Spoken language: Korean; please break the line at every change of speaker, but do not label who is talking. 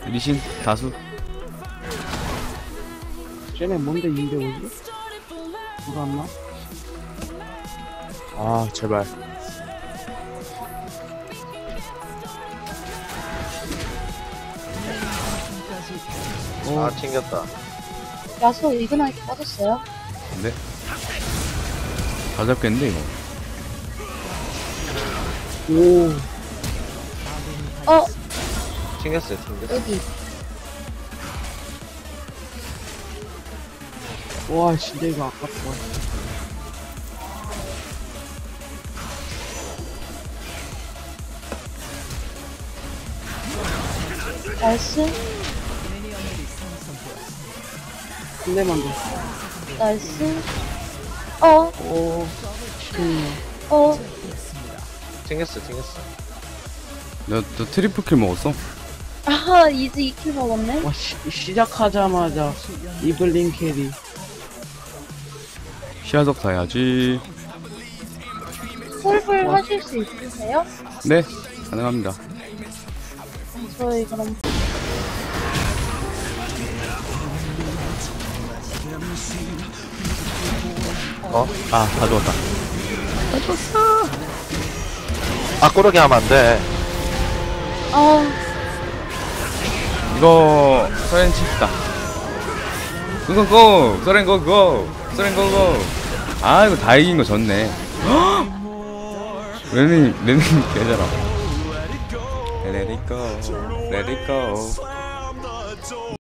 리신 다수.
쟤네 뭔데 250? 불었나?
아 제발.
아 챙겼다.
야수 이근하게 빠졌어요.
근데 다 잡겠는데 이거.
오,
어,
챙겼어요. 챙겼어.
여기.
와, 진짜 이거 아깝다.
나이스,
한 대만 더.
나이스. 어,
오, 시켰네.
어,
챙겼어. 챙겼어.
너 트리플 킬 먹었어?
아하, 이제 2킬 먹었네.
와, 시작하자마자 이블린 캐리.
시야석 사야지.
홀불 하실 수 있으세요?
네, 가능합니다.
저희 그럼
아, 다 죽었다.
아 꼬르기 하면 안 돼.
이거 서렌 칩시다. 고고고! 서렌 고고! 서렌 고고! 아, 이거 다 이긴 거 졌네. 레nin 개잘아. Let it go, let it go.